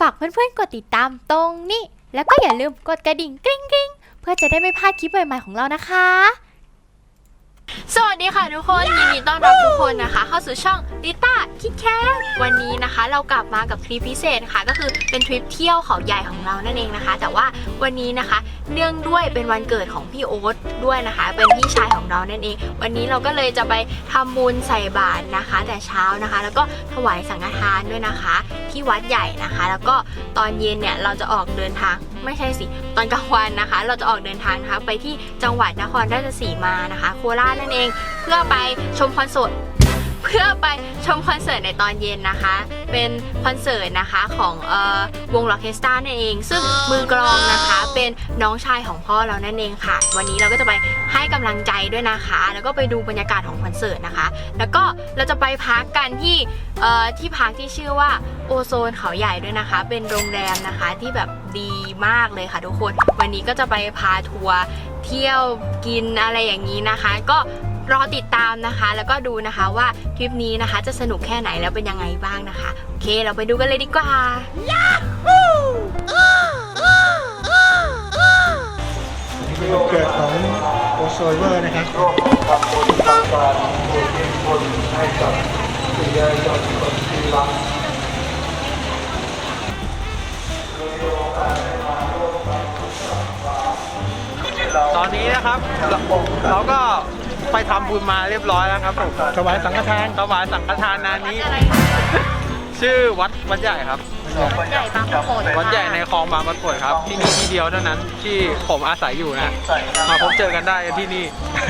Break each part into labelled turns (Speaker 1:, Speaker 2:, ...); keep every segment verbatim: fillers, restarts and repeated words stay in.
Speaker 1: ฝากเพื่อนๆกดติดตามตรงนี้แล้วก็อย่าลืมกดกระดิ่งกริ๊งกริ๊งเพื่อจะได้ไม่พลาดคลิปใหม่ๆของเรานะคะสวัสดีค่ะทุกคนยินดีต้อนรับทุกคนนะคะเข้าสู่ช่องลิต้าคิดแคทวันนี้นะคะเรากลับมากับทริปพิเศษค่ะก็คือเป็นทริปเที่ยวเขาใหญ่ของเรานั่นเองนะคะแต่ว่าวันนี้นะคะเนื่องด้วยเป็นวันเกิดของพี่โอ๊ตด้วยนะคะเป็นพี่ชายของเรานั่นเองวันนี้เราก็เลยจะไปทำบุญใส่บาตรนะคะแต่เช้านะคะแล้วก็ถวายสังฆทานด้วยนะคะที่วัดใหญ่นะคะแล้วก็ตอนเย็นเนี่ยเราจะออกเดินทางไม่ใช่สิตอนกลางวันนะคะเราจะออกเดินทางนะคะไปที่จังหวัดนครราชสีมานะคะโคราชนั่นเองเพื่อไปชมคอนเสิร์ตเพื่อไปชมคอนเสิร์ตในตอนเย็นนะคะเป็นคอนเสิร์ตนะคะของเอ่อวงล็อกเคสตานั่นเองซึ่งมือกลองนะคะเป็นน้องชายของพ่อเรานั่นเองค่ะวันนี้เราก็จะไปให้กำลังใจด้วยนะคะแล้วก็ไปดูบรรยากาศของคอนเสิร์ตนะคะแล้วก็เราจะไปพักกันที่เอ่อที่พักที่ชื่อว่าโอโซนเขาใหญ่ด้วยนะคะเป็นโรงแรมนะคะที่แบบดีมากเลยค่ะทุกคนวันนี้ก็จะไปพาทัวร์เที่ยวกินอะไรอย่างนี้นะคะก็รอติดตามนะคะแล้วก็ดูนะคะว่าทริปนี้นะคะจะสนุกแค่ไหนแล้วเป็นยังไงบ้างนะคะโอเคเราไปดูกันเลยดีกว่า
Speaker 2: วันเกิดของโอโซเวอร์นะครับทำบุญทำการอุทิศบุญให้กับคุณยายจอมคนที่รัก
Speaker 3: ตอนนี้นะครับเราก็ไปทำบุญมาเรียบร้อยแล้วครับผม
Speaker 2: ถวายสังฆทาน
Speaker 3: ถวายสังฆทานนานี้ชื่อวัดวัดใหญ่ครับ
Speaker 1: วัดใหญ่บางปะกง
Speaker 3: วัดใหญ่ในคลองบางปะกงครับที่นี่ที่เดียวเท่านั้นที่ผมอาศัยอยู่นะมาพบเจอกันได้ที่นี่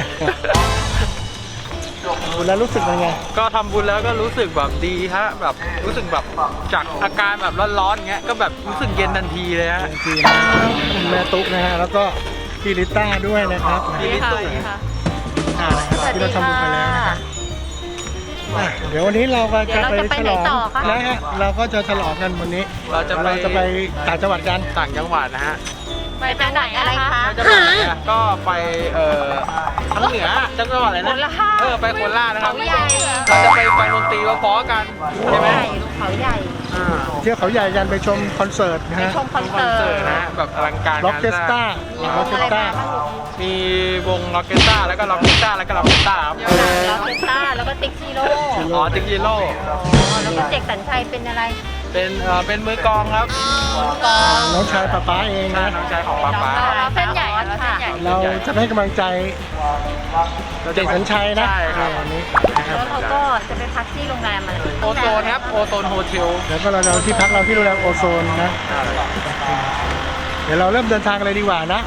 Speaker 2: บุญแล้วรู้สึกยังไง
Speaker 3: ก็ทำบุญแล้วก็รู้สึกแบบดีฮะแบบรู้สึกแบบจากอาการแบบร้อนๆเงี้ยก็แบบรู้สึกเย็นทันทีเลยฮะ
Speaker 2: จริงนะแม่ตุ๊กนะฮะแล้วก็พี่ลิต้าด้วยนะครับ
Speaker 3: พี่ลิตุ้ย
Speaker 2: อ่านะครับที่เราทำบุญไปแล้วนะครับอ่ะเดี๋ยววันนี้เราก็จะไปฉลองนะฮะเราก็จะฉลองกันวันนี้
Speaker 3: เราจะไป
Speaker 2: เราจะไปต่างจังหวัดกัน
Speaker 3: ต่างจังหวัดนะฮะ
Speaker 1: ไปจังไหนอะไรคะ
Speaker 3: เราจะไปไหนอะก็ไปเอ่อทางเหนือจังหวัดอะไรนะเออไปโคราชนะครับเราจะไปฟังดนตรีเพราะๆกันใช่ไหม
Speaker 1: เขาใหญ่
Speaker 3: อ่า
Speaker 2: เที่ยวเขาใหญ่กันไปชมคอนเสิร์ตนะฮะ
Speaker 1: ชมคอน
Speaker 3: คอน
Speaker 1: เสิ
Speaker 3: เสิ
Speaker 1: ร์
Speaker 3: ร์
Speaker 1: ต
Speaker 3: ตนะแบบอลังการ
Speaker 2: ล็อกเคสตาล็อกเคสตา
Speaker 3: มีวงล็อกเกสต้าแล้วก็ล็อกเกสต้าแล้วก็ล็อกเกสต้าครับ
Speaker 1: ล็อกเคสตาแล้วก็ติ๊กชิโร่
Speaker 3: อ๋อติงจิโร่
Speaker 1: แล้วก็เจกสัญชัยเป็นอะไร
Speaker 3: เป็นเอ่อเป็นมือกลองครับ
Speaker 1: กอง
Speaker 2: น้องชายป๊าป๊าเองนะ
Speaker 3: น้องชายของป๊าป๊า
Speaker 1: เราเส้นใหญ่เราเส้นใหญ่
Speaker 2: เราจะให้กำลังใจเด็กสัญชัยนะ
Speaker 3: ใช่ครับ
Speaker 2: วันนี้
Speaker 1: แล้วเขาก็จะไปพักที่โรงแรมอะไร
Speaker 3: โอโซนครับโอโซนโฮเทล
Speaker 2: แล้วก็เราจะที่พักเราที่โรงแรมโอโซนนะเดี๋ยวเราเริ่มเดินทางกันเลยดีกว่านะ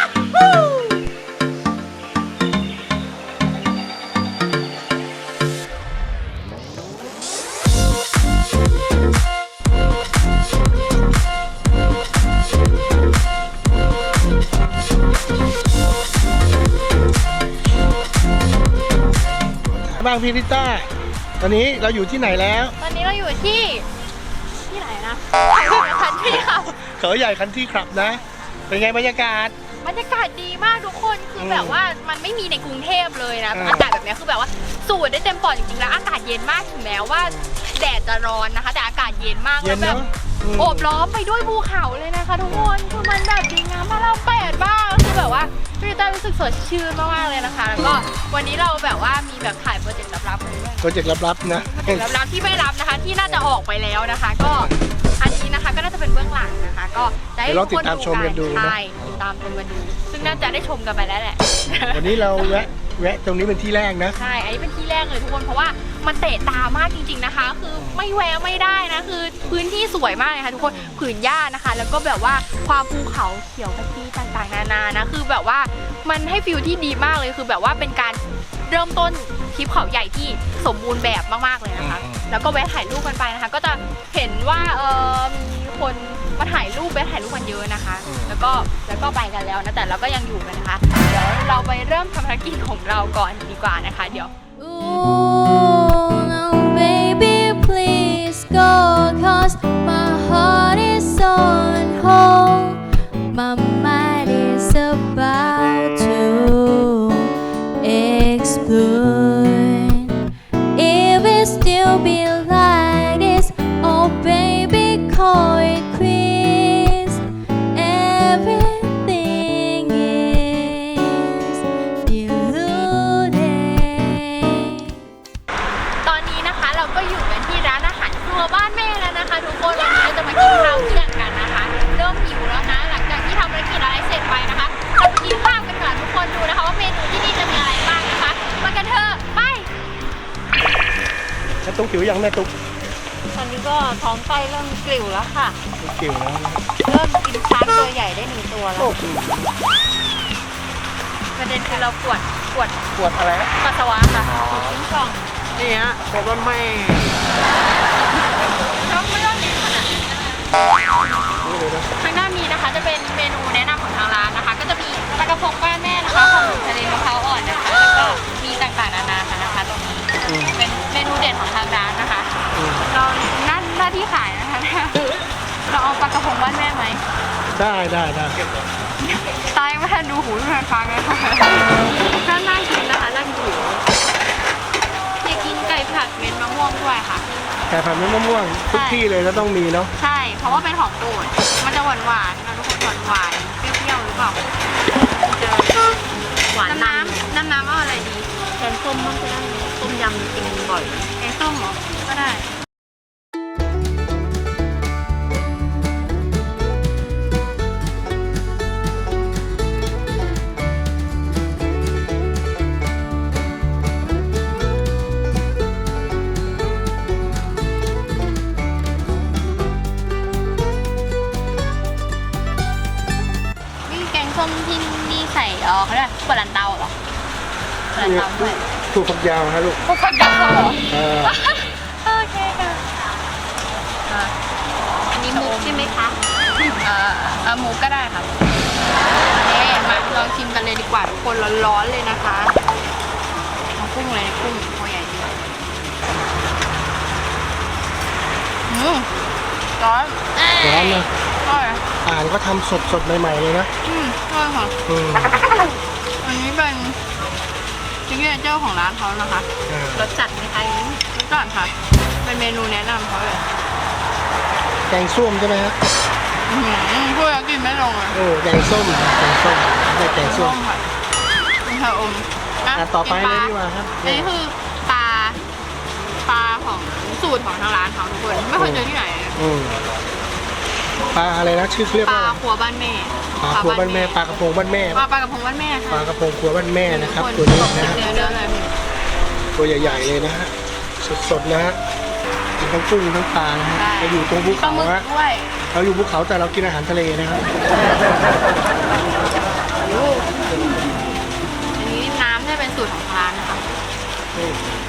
Speaker 2: บ้างพี่ลิต้าตอนนี้เราอยู่ที่ไหนแล้ว
Speaker 1: ตอนนี้เราอยู่ที่ที่ไหนนะคันที่ค่ะ
Speaker 2: เขาใหญ่คันที่ขับนะ เป็นไงบรรยากาศ
Speaker 1: บรรยากาศดีมากทุกคนคือแบบว่ามันไม่มีในกรุงเทพเลยนะ
Speaker 2: อืม
Speaker 1: อากาศแบบนี้คือแบบว่าสูดได้เต็มปอดจริงๆแล้วอากาศเย็นมากถึงแม้ว่าแดดจะร้อนนะคะ แต่อากาศเย็นมาก
Speaker 2: เย็
Speaker 1: แล้ว
Speaker 2: น
Speaker 1: แบบ
Speaker 2: เนาะอืม
Speaker 1: โอบล้อมไปด้วยภูเขาเลยนะคะทุกคนคือมันแบบดีงามมากเราแปดมากคือแบบว่าพี่ต้ารู้สึกสดชื่นมากๆเลยนะคะ แล้วก็วันนี้เราแบบว่ามีแบบถ่ายโปรเจกต์ลับๆมาด้วย
Speaker 2: โปรเจกต์ลับๆนะ
Speaker 1: โปรเจกต์ลับๆที่ไม่รับนะคะที่น่าจะออกไปแล้วนะคะ ก็อันนี้นะคะก็น่าจะเป็นเบื้องหลังนะคะ ก็จะให้
Speaker 2: เดี๋ยวเรา
Speaker 1: ทุก
Speaker 2: ติดตามชมกันดูนะ
Speaker 1: ใช่ติดตามชมกันดูซึ่งน่าจะได้ชมกันไปแล้วแหละ
Speaker 2: วันนี้เราแวะแวะตรงนี้เป็นที่แรกนะ
Speaker 1: ใช่ อันนี้เป็นที่แรกเลยทุกคน เพราะว่ามันเตะตามากจริงๆนะคะ คือไม่แวะไม่ได้นะ คือพื้นที่สวยมากเลยค่ะทุกคน ผืนหญ้านะคะ แล้วก็แบบว่าความภูเขาเขียวขจีต่างๆนานานะ คือแบบว่ามันให้ฟิลที่ดีมากเลย คือแบบว่าเป็นการเริ่มต้นทริปเขาใหญ่ที่สมบูรณ์แบบมากๆเลยนะคะ แล้วก็แวะถ่ายรูปกันไปนะคะ ก็จะเห็นว่าเออมีคนมาถ่ายรูปแวะถ่ายรูปกันเยอะนะคะ แล้วก็แล้วก็ไปกันแล้วนะ แต่เราก็ยังอยู่กันนะคะ เดี๋ยวเราไปเริ่มทำภารกิจของเราก่อนดีกว่านะคะ เดี๋ยว
Speaker 4: Ooh, no, baby, please go, 'cause my heart is on hold. My mind is about to explode. If it still be like this, oh baby, call it quits.
Speaker 2: ตุ๊กหิวยังแม่ตุ๊ก
Speaker 1: ตอนนี้ก็ท้องไส้เริ่มกลิ่วแล้วค่ะ
Speaker 2: หิวแล้วนะ
Speaker 1: เริ่มกินช้างตัวใหญ่ได้หนึ่งตัวแล้ว
Speaker 2: โอ้โห
Speaker 1: ประเด็นคือเราปวดปวด
Speaker 3: ปวดอะไรนะ
Speaker 1: ปัสสาวะค่ะปวดทิ้งช่อง
Speaker 3: นี่ฮะปวดว่าไม่
Speaker 1: แล้วไม่ต้องนี้ขนาดนั้น
Speaker 2: นี่เลยนะ
Speaker 1: ทางด้านนี้นะคะจะเป็นเมนูแนะนำของทางร้านนะคะ ก็จะมีปลากระพงบ้านแม่นะคะของทะเลมะพร้าวอ่อนนะคะแล้วก็มีต่างๆนานาค่ะนะคะตรงนี้เป็นเมนูเด็ดของทางร้านนะคะเราหน้าหน้าที่ขายนะคะเราเอาปลากระพงบ้านแม่ไหม
Speaker 2: ได้ได้ได้
Speaker 1: ตายไม่ทันดูหูดูทันฟังเลยค่ะน่าน่ากินนะคะน่ากินอยากกินไก่ผัดเม็ดมะม่วงด้วยค่ะ
Speaker 2: แต่ผัดเม็ดมะม่วงทุกที่เลยก็ต้องมีเนาะ
Speaker 1: ใช่ เพราะว่าเป็นของโปรดมันจะหวานหวานๆนะทุกคนหวานหวานๆเปรี้ยวๆหรือเปล่าเจอหวานน้ำน้ำน้ำเอาอะไรดีแกงส้มบ้างก็ได้ต้มยำกินบ่อยแกงส้มเหรอก็ได้นี่แกงส้มที่นี่ใส่เออเขาเรียกปลาลันเตาเหรอปลาลันเตาด้วย
Speaker 2: ถูกฝักยาวฮะลูก
Speaker 1: พวกคนดักเขาเหรอ
Speaker 2: เออ
Speaker 1: โอเคค่ะอันนี้มุกใช่ไหมคะเอ่อเอ่อหมูก็ได้ค่ะนี่มาลองชิมกันเลยดีกว่าทุกคนร้อนๆเลยนะคะเอากุ้งเลยกุ้งตัวใหญ่ดีอืมร้อน
Speaker 2: ร้อนนะ
Speaker 1: อร่อย
Speaker 2: อ่านก็ทำสดสดๆใหม่ๆเลยนะ
Speaker 1: อืมอร่อยค่ะ
Speaker 2: อืม
Speaker 1: อันนี้เป็นซิกเนเจอร์ของร้านเขานะคะ
Speaker 2: อ่าร
Speaker 1: สจัดไหมคะอันนี้รสจัดค่ะ เป็นเมนูแนะนำเขาเลย
Speaker 2: แกงส้มใช่ไหมฮะ
Speaker 1: อืมพูดแล้วกินไม่ลงเลย
Speaker 2: โอ้แกงส้มแกงส้มได้แกงส้ม
Speaker 1: ค่ะเป็นชาอม
Speaker 2: อ่ะต่อไป
Speaker 1: กิน
Speaker 2: เลย
Speaker 1: ลา
Speaker 2: ดีกว่าครับ
Speaker 1: อันนี้คือปลาปลาของสูตรของทางร้านเขาทุกคน ไม่เคยเจอที่ไหนเลย
Speaker 2: อืมปลาอะไรนะชื่อเขาเรียก
Speaker 1: ปลา
Speaker 2: ว่า
Speaker 1: ครัวบ้านแม่
Speaker 2: ปลาครัวบ้านแม่ปลากระพงบ้านแม่
Speaker 1: ปลาปลากระพงบ้านแม่
Speaker 2: ป
Speaker 1: ค่ะ
Speaker 2: ลากระพงครัวบ้านแม่นะครับ
Speaker 1: ทุก
Speaker 2: ตัวนี้นะฮะ
Speaker 1: เนื้อเนื้อเลย
Speaker 2: ตัวใหญ่ๆเลยนะฮะสดๆนะฮะกินทั้งกุ้งทั้งปลานะฮะเราอยู่ตรงภู
Speaker 1: ปลา
Speaker 2: เขา
Speaker 1: หมึก
Speaker 2: ฮะ
Speaker 1: ด้วย
Speaker 2: เราอยู่ภูเขาแต่เรากินอาหารทะเลนะครับ
Speaker 1: อันนี้น้ำจะเป็นสูตรของร้านนะคะ
Speaker 2: นี่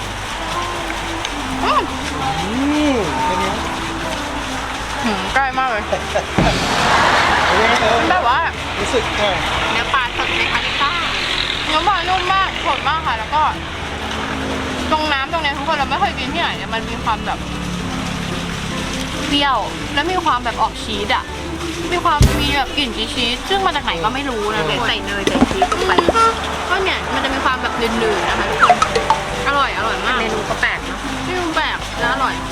Speaker 1: อืม
Speaker 2: อืมเป็นไง
Speaker 1: หืมใกล้มากเลย
Speaker 2: เป็นไงเออ
Speaker 1: แบบว่า
Speaker 2: รู้สึกว่า
Speaker 1: เนื้อปลาสดไหมคะลิซ่าเนื้อปลานุ่มมากสดมากค่ะ แล้วก็ ตรงน้ำตรงเนี้ยทุกคนเราไม่เคยกินที่ไหนเนี่ยมันมีความแบบเปรี้ยว แล้วมีความแบบออกชีสอ่ะ มีความมีแบบกลิ่นชีสซึ่งมาจากไหนก็ไม่รู้นะใส่เนยใส่ชีสลงไปก็เนี่ยมันจะมีความแบบลื่นๆนะคะทุกคนอร่อยอร่อยมากเมนูก็แปลกเนาะเมนูแปลกแล้วอร่อย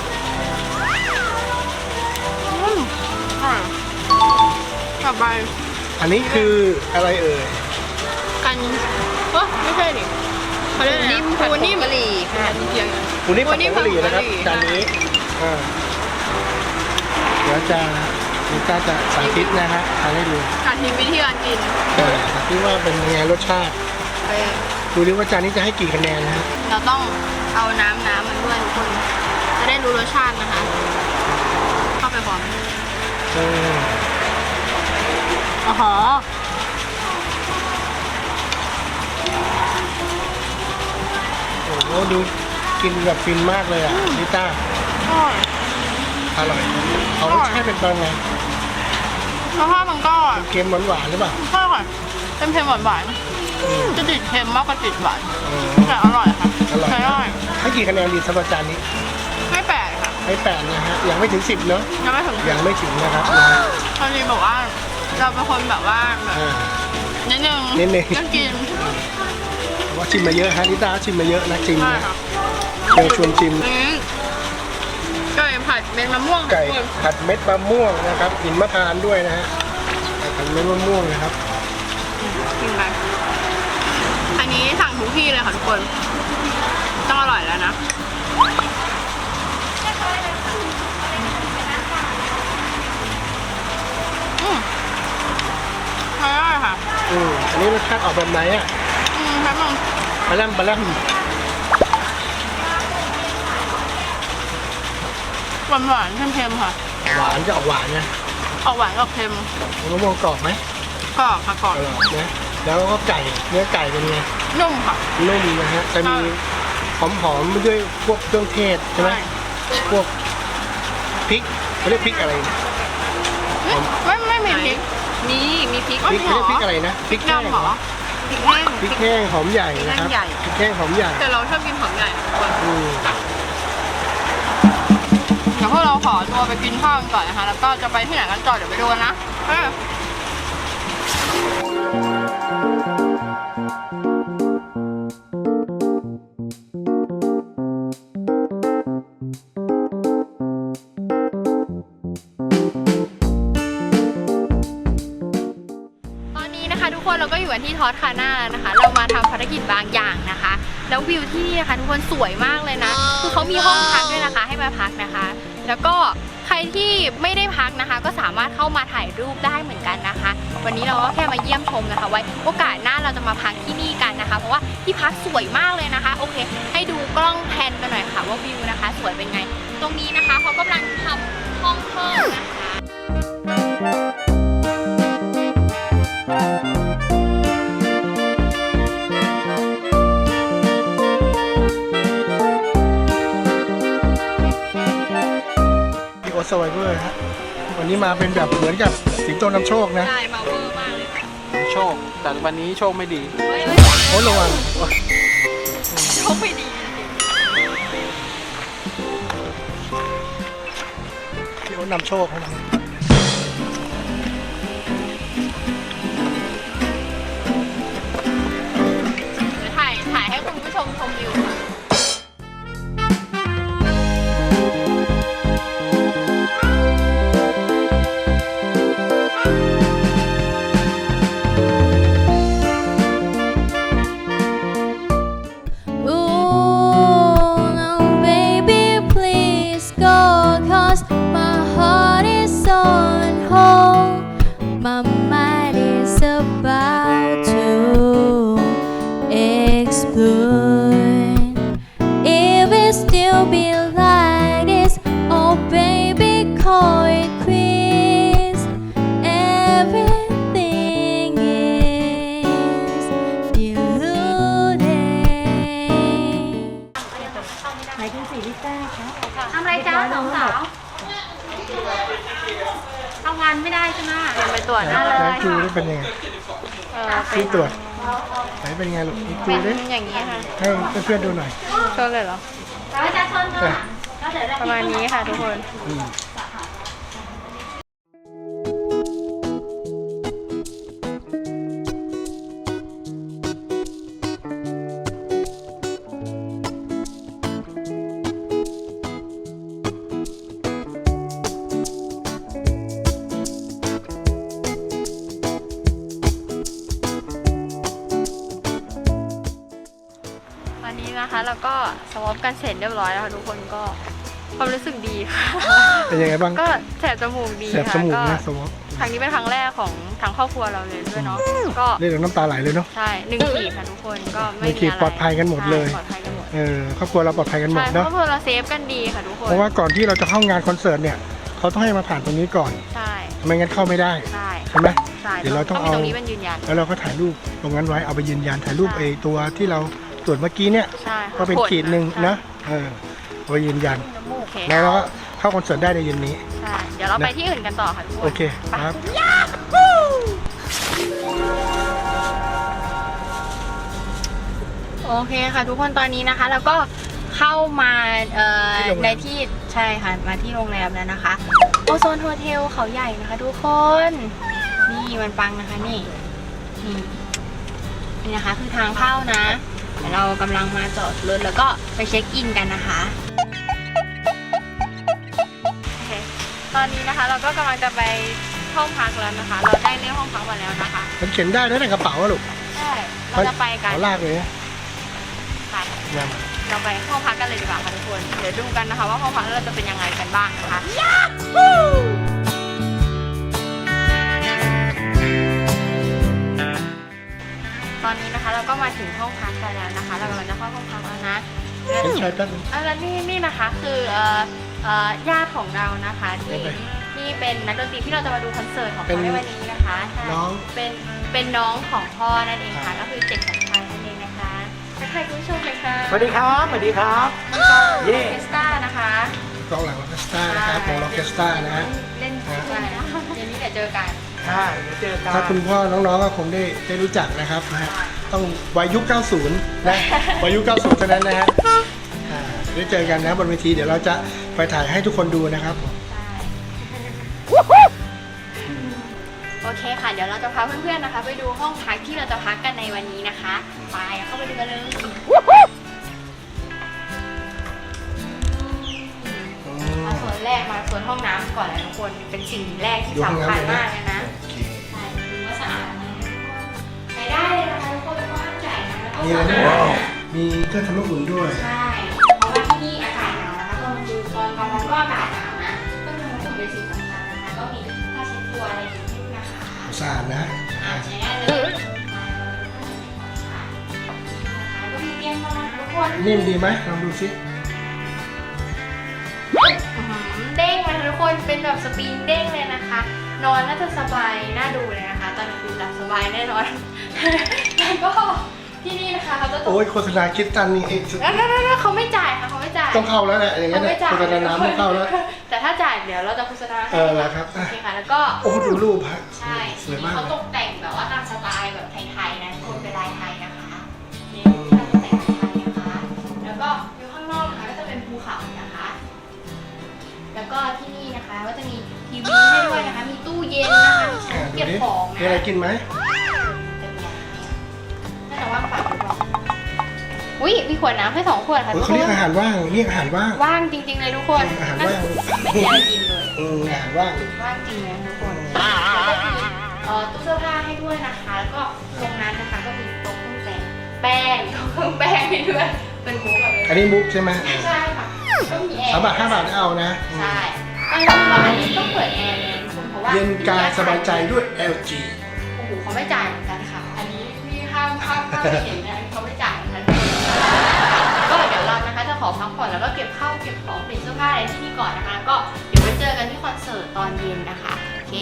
Speaker 1: อืมอร่อยกลับไป
Speaker 2: อันนี้คืออะไรเอ่ย
Speaker 1: กันเออไม่ใช่ดิเขาเรียกอะไรนิ่มปูนิ่มกะหรี่ค่ะเพียง
Speaker 2: ปูนี่ผัดผงกะหรี่นะครับ
Speaker 1: ปูนิ่มผั
Speaker 2: จาน
Speaker 1: ดผงกะหรี่
Speaker 2: นี้อ่าเดี๋ยวจะนิต้าจะสาธิตนะฮะทานให้ดู
Speaker 1: สาธิตวิธีการกิน
Speaker 2: เออสาธิตว่าเป็นยังไงรสชาติ
Speaker 1: เออ
Speaker 2: ดูดิว่าจานนี้จะให้กี่คะแนนนะฮะ
Speaker 1: เราต้องเอาน้ำน้ำมันด้วยทุกคน จะได้รู้รสชาตินะคะ เข้าไปพร้อม
Speaker 2: เออ
Speaker 1: อ๋อ
Speaker 2: โอ้โหดูกินแบบฟินมากเลยอ่ะนิต้า
Speaker 1: อร่อย
Speaker 2: อร่อยเขารสชาติเป็นยังไง
Speaker 1: รสชาติมันก็
Speaker 2: เค็มหวานๆหรือเปล่า
Speaker 1: ใช่ค่ะเป็นเค็มหวาน
Speaker 2: อืม
Speaker 1: ๆจะติดเค็มมากกว่าติดหวาน
Speaker 2: อืม
Speaker 1: แต่อร่อยค่ะ
Speaker 2: อร่อย
Speaker 1: ใช้ได้
Speaker 2: ให้กี่คะแนนดีสำหรับจานนี้
Speaker 1: ไม่แปลกค่ะ
Speaker 2: ให้แปดนะฮะยังไม่ถึงสิบเนาะ
Speaker 1: ยังไม่ถึง
Speaker 2: ยังไม่ถึงนะครับนะฮะ
Speaker 1: พอดีบอกว่า เราเป็นคนแบบว่าแบบ
Speaker 2: อ่า
Speaker 1: นิดนึง
Speaker 2: นิดนึง
Speaker 1: ก็กิน
Speaker 2: เพราะว่าชิมมาเยอะฮะนิต้าชิมมาเยอะนะชิม
Speaker 1: ใช่
Speaker 2: นะ
Speaker 1: ค่ะ
Speaker 2: เดี๋ยวชวนชิม
Speaker 1: อืมไก่ผัดเป็นมะม่วง
Speaker 2: ไก่
Speaker 1: ทุคน
Speaker 2: ผัดเม็ดมะม่วงนะครับหินมะพร้าวด้วยนะฮะไก่ผัดเม็ดมะม่วงนะครับ
Speaker 1: กินไปอันนี้สั่งทุกที่เลยค่ะทุกคน ต้องอร่อยแล้วนะ อืมใช้ได้ค่ะ
Speaker 2: อืมอันนี้รสชาติออกแบบไหนอ่ะ
Speaker 1: อืมครับมึง
Speaker 2: ปลาแรมปลาแรม
Speaker 1: หวานหวานๆเค็มๆค่ะ
Speaker 2: หวานจะออกหวานนะ
Speaker 1: ออกหวานกับเค็ม
Speaker 2: มะม่วงกรอบไหม
Speaker 1: กรอบค่ะกรอบ
Speaker 2: อร่อยนะแล้วก็ไก่เนื้อไก่เป็นไง
Speaker 1: นุ่มค่ะ
Speaker 2: นุ่มนะฮะจะมีหอมๆด้วยพวกเครื่องเทศใช่ไหมพวกพริกเขาเรียกพริกอะไรนะ
Speaker 1: ไม่ไม่มีพริก
Speaker 5: มีมีพริก
Speaker 2: พริกเขาเรียกพริกอะไรนะพริกแห้ง
Speaker 1: ดำเหรอ
Speaker 5: พริกแห้ง
Speaker 2: พริกแห้งหอมใหญ่นะครับ
Speaker 5: พริกแห้งใหญ่
Speaker 2: พริกแห้งหอมใหญ่
Speaker 1: แต่เราชอบกินหอมใหญ่นะทุกคน
Speaker 2: อืม
Speaker 1: เดี๋ยวพวกเราขอตัวไปกินข้าวกันก่อนนะคะ แล้วก็จะไปที่ไหนกันต่อเดี๋ยวไปดูกันนะเออ ตอนนี้นะคะทุกคนเราก็อยู่กันที่ทอสคาน่าแล้วนะคะ เรามาทำภารกิจบางอย่างนะคะ แล้ววิวที่นี่นะคะทุกคนสวยมากเลยนะ คือเขามีห้องพักด้วยนะคะให้มาพักนะคะ แล้วก็ใครที่ไม่ได้พักนะคะ ก็สามารถเข้ามาถ่ายรูปได้เหมือนกันนะคะ วันนี้เราก็แค่มาเยี่ยมชมนะคะไว้โอกาสหน้าเราจะมาพักที่นี่กันนะคะ เพราะว่าที่พักสวยมากเลยนะคะ โอเค ให้ดูกล้องแพนกันหน่อยค่ะว่าวิวนะคะ สวยเป็นไง ตรงนี้นะคะเขากำลังทำห้องเพิ่มนะคะ
Speaker 2: ที่โอสไวเวอร์ฮะวันนี้มาเป็นแบบเหมือนกับสิงโตนำโชคนะ
Speaker 1: ใช่มาเวอร์มากเลยค่ะ
Speaker 3: โชค แต่วันนี้โชคไม่ดี
Speaker 1: เฮ้ยเฮ้ย
Speaker 2: โอ้ระวัง
Speaker 1: โชคไม่ดี
Speaker 2: ที่โอนำโชคนะ
Speaker 1: เดี๋ยวถ่ายถ่ายให้คุณผู้ชมชมวิวค่ะ
Speaker 4: Ooh, now baby, please go, 'cause my heart is on hold. My mind is about to explode. If it still be like this, oh baby, call it quits. Everything is deluded.
Speaker 5: ทำอะไรจ้าสองสาวทำงานไม่ได้ใช่ไหม
Speaker 1: เดี๋ยวไปตรวจหน้าเล
Speaker 2: แล้ว
Speaker 1: ย
Speaker 2: จูนี่เป็นยังไง
Speaker 1: เออเป็
Speaker 2: จู
Speaker 1: น
Speaker 2: ตรวจไหนเป็นยังไงลูกจู
Speaker 1: เป็น
Speaker 2: ดิ
Speaker 1: อย่างนี้ค่ะ
Speaker 2: ให้เพื่อนๆดูหน่อย
Speaker 1: โชว์เลยเหรอ
Speaker 5: ประชาชน
Speaker 2: อ่ะ
Speaker 5: ก็เดี๋ยวได้
Speaker 1: ประมาณนี้ค่ะทุกคน
Speaker 2: อืม
Speaker 1: ตอนนี้นะคะเราก็สวอปกันเสร็จเรียบร้อยแล้วค่ะทุกคนก็ความรู้สึกดีค่ะ
Speaker 2: เป็นยังไงบ้าง
Speaker 1: ก็แสบจมูกดี
Speaker 2: แสบ
Speaker 1: ค่ะ
Speaker 2: จมูก
Speaker 1: ก็
Speaker 2: นะสวอป
Speaker 1: ครั้งนี้เป็นครั้งแรกของทางครอบครัวเราเลยด้วยเนาะก็
Speaker 2: เรียกน้ำตาไหลเลยเนาะ
Speaker 1: ใช่หนึ่งขีดค่ะทุกคนก็ไม่
Speaker 2: หนึ่งขี
Speaker 1: มี
Speaker 2: ด
Speaker 1: อะไร
Speaker 2: ปลอดภัยกันหมดเลย
Speaker 1: ใช่ปลอดภัยกันหมด
Speaker 2: เออครอบครัวเราปลอดภัยกันหมด
Speaker 1: ใช่คร
Speaker 2: เนาะ
Speaker 1: อบครัวเราเซฟกันดีค่ะทุกคน
Speaker 2: เพราะว่าก่อนที่เราจะเข้างานคอนเสิร์ตเนี่ยเขาต้องให้มาผ่านตรงนี้ก่อน
Speaker 1: ใช่
Speaker 2: ไม่งั้นเข้าไม่ได้
Speaker 1: ใช่
Speaker 2: ใช่ไหม
Speaker 1: ใช่
Speaker 2: เดี๋ยวเราต้อง
Speaker 1: มี
Speaker 2: เอา
Speaker 1: ตรงนี้เป็นยืนยัน
Speaker 2: แล้วเราก็ถ่ายรูปตรงนั้นไว้เอาไปยืนยันถ่ายรูป
Speaker 1: ใช่
Speaker 2: ไอ้ตัวที่เราตรวจเมื่อกี้เนี่ย
Speaker 1: ใช่ค่ะ
Speaker 2: ก็เป็น
Speaker 1: ก
Speaker 2: ขีดหนึ่ง
Speaker 1: ใช่
Speaker 2: นะเออเอาไปยืนยัน
Speaker 1: โอเค
Speaker 2: แล้วเราก็เข้าคอนเสิร์ตได้ในเย็นนี้
Speaker 1: ใช่เดี๋ยวเราไปที่อื่นกันต่อค่ะทุกคน
Speaker 2: โอเคครับ
Speaker 1: โอเคค่ะทุกคนตอนนี้นะคะแล้วก็เข้ามาเอ่อ
Speaker 2: ที่โรงแรม
Speaker 1: ในที่ใช่ค่ะมาที่โรงแรมแล้วนะคะโอโซนโฮเทลเขาใหญ่นะคะทุกคน นี่มันปังนะคะนี่นี่นี่นะคะคือทางเข้านะเดี๋ยวเรากำลังมาจอดรถแล้วก็ไปเช็คอินกันนะคะโอเคตอนนี้นะคะเราก็กำลังจะไปห้องพักแล้วนะคะ เราได้เลือกห้องพักมาแล้วนะคะ
Speaker 2: มันเข็นได้นะในกระเป๋าอะลูก
Speaker 1: ใช่เราจะไปกัน
Speaker 2: เขาลากเลยนะ
Speaker 1: ไป
Speaker 2: ยัง
Speaker 1: เราไปห้องพักกันเลยดีกว่าค่ะทุกคน เดี๋ยวดูกันนะคะว่าห้องพักเราจะเป็นยังไงกันบ้างนะคะ ตอนนี้นะคะเราก็มาถึงห้องพักกันแล้วนะคะ เรากำลังจะเข้าห้องพักแล้วนะ
Speaker 2: เห็นชายแป๊บนึง
Speaker 1: อ่ะแล้วนี่นี่นะคะคือเอ่อเอ่อญาติของเรานะคะที่ที่เป็นนักดนตรีที่เราจะมาดูคอนเสิร์ตของเขาในวันนี้นะคะใช่
Speaker 2: น้อง
Speaker 1: เป็นเป็นน้องของพ่อนั่นเองค่ะก็คือเจ็ดสัมพันธ์นั่นเองนะคะทักทายคุณผู้ชมเลยค่ะ
Speaker 3: สวัสดีครับสวัสดีครับ
Speaker 1: เย่เอสตานะคะ
Speaker 2: กองหลังออร์เคสตรานะครับวงออร์เคสตรานะฮะ
Speaker 1: เล่นด้วยนะเดี๋ยวนี้เดี๋ยวเจอกัน
Speaker 3: ใช่เดี๋ยวเจอกัน
Speaker 2: ถ้าคุณพ่อน้องๆก็คงได้ได้รู้จักนะครับนะฮะต้องวัยยุค เก้าสิบ นะวัยยุค เก้าสิบเท่านั้นนะฮะอ่าได้เจอกันนะบนเวทีเดี๋ยวเราจะไปถ่ายให้ทุกคนดูนะครับผม
Speaker 1: โอเคค่ะ เดี๋ยวเราจะพาเพื่อนๆนะคะ ไปดูห้องพักที่เราจะพักกันในวันนี้นะคะไปเข้าไปดูกันเลยมาส่วนแรกมาส่วนห้องน้ำก่อนเลยทุกคนเป็นสิ่งแรกที่สำคัญมากเลยนะ
Speaker 2: โอเค
Speaker 1: ใช่ดูว่าสะอาดนะใช้ได้เลยนะคะทุกคนกว้างใหญ่นะแล้วก็
Speaker 2: มีอะไร
Speaker 1: สะ
Speaker 2: ด้วย
Speaker 1: อาดนะ
Speaker 2: มีเครื่องทำน้ำอุ่นด้วย
Speaker 1: ใช่ เพราะว่าที่นี่อากาศหนาวนะคะตอนกลางคืนตอนกลางวันก็อากาศหนาวนะก็คือมันเป็นสิ่งสำคัญนะคะ ก็มีผ้าเช็ดตัวอะไรอย่างนี้นะคะ
Speaker 2: สะอาดนะ
Speaker 1: อ่าใช้ได้เลยก็มีเตียงนอนทุกคน
Speaker 2: นิ่มดีไหมลองดูสิ
Speaker 1: อื้อหือเด้งเลยทุกคน เป็นแบบสปริงเด้งเลยนะคะ นอนน่าจะสบายน่าดูเลยนะคะ ตอนกลางคืนหลับสบายแน่นอน แล้วก็ที่นี่นะคะเขาจะตก
Speaker 2: โอ้ยโฆษณาคิดตันนี่เอง
Speaker 1: นั่นๆๆเขาไม่จ่ายค่ะเขาไม่จ่าย
Speaker 2: ต้องเข้าแล้วแหละอย่างเงี้ยเนี่ยโฆษณาน้ำต้องเข้าแล้ว
Speaker 1: แต่ถ้าจ่ายเดี๋ยวเราจะโฆษณาให้
Speaker 2: เออแล้วครับ
Speaker 1: โอเคค่ะ แล้วก็
Speaker 2: โอ้ดูรูปฮะ
Speaker 1: ใช่
Speaker 2: สวยมาก
Speaker 1: เขา
Speaker 2: เลย
Speaker 1: ตกแต่งแบบว่าตามสไตล์แบบไทยๆนะคนเป็นลายไทยนะคะนี่ตกแต่งไทยนะคะ แล้วก็อยู่ข้างนอกนะคะก็จะเป็นภูเขานะคะ แล้วก็ที่นี่นะคะก็จะมีทีวีให้ด้วยนะคะ มีตู้เย็นนะคะมีชั้
Speaker 2: อ่าน ดู
Speaker 1: เก็บ
Speaker 2: ดิ
Speaker 1: ของ
Speaker 2: มีอะไร
Speaker 1: นะ
Speaker 2: กินไหม
Speaker 1: จะมีอะไรเนี่ยน่าจะว่างเปล่าหรือเปล่าอุ้ยมีขวดน้ำให้สองขวดค่ะ
Speaker 2: โอ้ย
Speaker 1: ทุก
Speaker 2: เขา
Speaker 1: ค
Speaker 2: เรียก
Speaker 1: น
Speaker 2: อาหารว่างเรียกอาหารว่าง
Speaker 1: ว่างจริงๆเลยทุกคน
Speaker 2: อาหาร
Speaker 1: นั่น
Speaker 2: ว่าง
Speaker 1: ไม่มีอะไรกินเลย
Speaker 2: อืมอาหารว่าง
Speaker 1: ว่างจริงนะทุกคนแล้วก็มีเอ่อตู้เสื้อผ้าให้ด้วยนะคะ แล้วก็ตรงนั้นนะคะก็มีโต๊ะเครื่องแต่งแป้งโต๊ะเครื่องแป้งให้ด้วยเป็นมุกแบบ
Speaker 2: อันนี้มุกใช่ไหม
Speaker 1: ใช่ค่ะก็มีแอร์
Speaker 2: สามบาทห้าบาทเอานะ
Speaker 1: ใช่ตอนนี้ว่าอันนี้ต้องเปิดแอร์เลยนะทุกคนเพราะว่า
Speaker 2: เย็นกายสบายใจด้วย แอล จี
Speaker 1: โอ้โหเขาไม่จ่ายเหมือนกันค่ะ อันนี้พี่ห้ามห้ามห้ามไม่เห็นนะเขาไม่จ่ายเหมือนกันก็เดี๋ยวเรานะคะจะขอพักผ่อนแล้วก็เก็บข้าวเก็บของเปลี่ยนเสื้อผ้าอะไรที่นี่ก่อนนะคะ ก็เดี๋ยวไปเจอกันที่คอนเสิร์ตตอนเย็นนะคะโอเค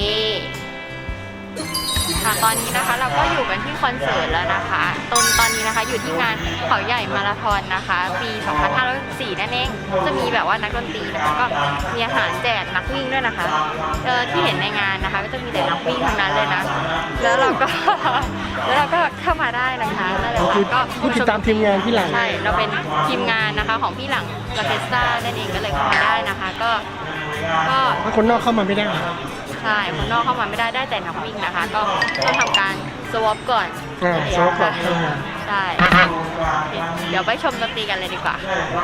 Speaker 1: ค่ะตอนนี้นะคะเราก็อยู่กันที่คอนเสิร์ตแล้วนะคะตอนตอนนี้นะคะอยู่ที่งานเขาใหญ่มาราธอนนะคะ ปี สองพันห้าร้อยสิบสี่ นั่นเองจะมีแบบว่านักดนตรีนะคะก็มีอาหารแจกนักวิ่งด้วยนะคะเออที่เห็นในงานนะคะ ก็จะมีแต่นักวิ่งทั้งนั้นเลยนะแล้วเราก็ แล้วเราก็เข้ามาได้นะคะนั่นแหละ
Speaker 2: คือ
Speaker 1: ก็
Speaker 2: ผู้ติดตามทีมงานที่หลัง
Speaker 1: ใช่เราเป็นทีมงานนะคะของพี่หลังออร์เคสตรานั่นเองก็เลยเข้ามาได้นะคะ ก็ก็
Speaker 2: ถ้าคนนอกเข้ามาไม่ได้
Speaker 1: ใช่คนนอกเข้ามาไม่ได้ได้แต่นักวิ่งนะคะ ก็ต้องทำการสวอปก่อน
Speaker 2: อ่าสวอปก่อนเข้ามา
Speaker 1: ใช่เดี๋ยวไปชมดนตรีกันเลยดีกว่า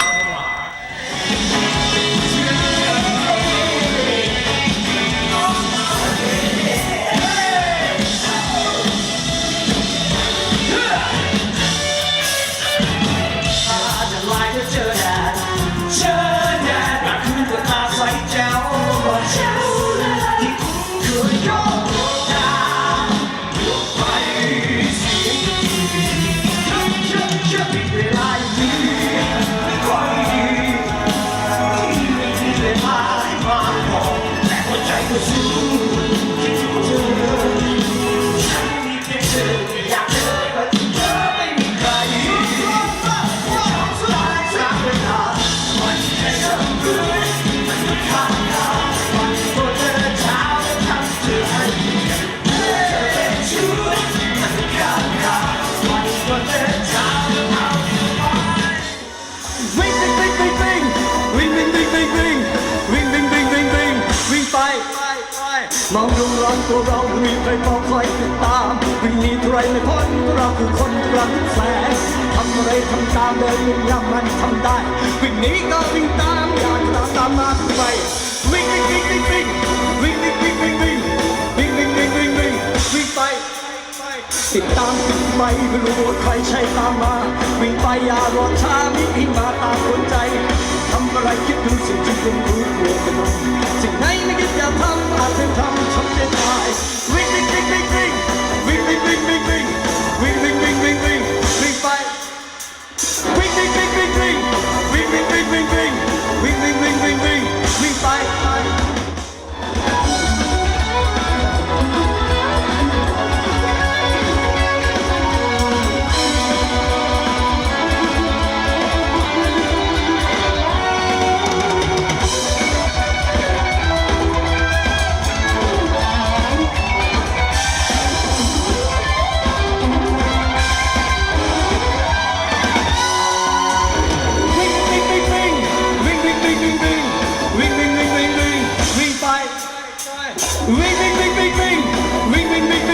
Speaker 6: วิ่งวิ่งวิ่งวิ่งวิ่งวิ่งวิ่งวิ่งวิ่งวิ่งวิ่งวิ่งวิ่งวิ่งวิ่งวิ่งไปมองดูร้อนตัวเรามีใครมองคอยติดตามวิ่งหนีใครไม่พ้นเราคือคนกลางแสงทำอะไรทำตามเลยยิ่งยำมันทำได้วิ่งหนีก็วิ่งตามอยากตามตามมาไปวิ่งวิ่งวิ่งวิ่งวิ่งวิ่งวิ่งวิ่งวิ่งวิ่งวิ่งวิ่งวิ่งวิ่งวิ่งวิ่งไปติดตามติดไปไม่รู้ว่าใครใช่ตามมาวิ่งไปอย่ารอช้ามีพิงมาตามคนใจทำอะไรคิดดูสิ่งที่คุณรู้ตัวกันหน่อยสิ่งไหนไม่คิดอย่าทำอาจเป็นทำทำได้ตายวิ่งวิ่งวิ่งวิ่งวิ่งวิ่งวิ่งวิ่งวิ่งวิ่งวิ่งวิ่งวิ่งวิ่งวิ่งวิ่งไปวิ่งวิ่งวิ่งวิ่งวิ่งวิ่งวิ่งวิ่งวิ่งวิ่งวิ่งวิ่งวิ่งวิ่งวิ่งวิ่งไป วิ่งวิ่งวิ่งวิ่งวิ่งวิ่งวิ่งวิ่งวิ่งวิ่งวิ่งวิ่งวิ่งวิ่งไปวิ่งวิ่งวิ่งวิ่งวิ่งวิ่งวิ่งวิ่งวิ่งวิ่ง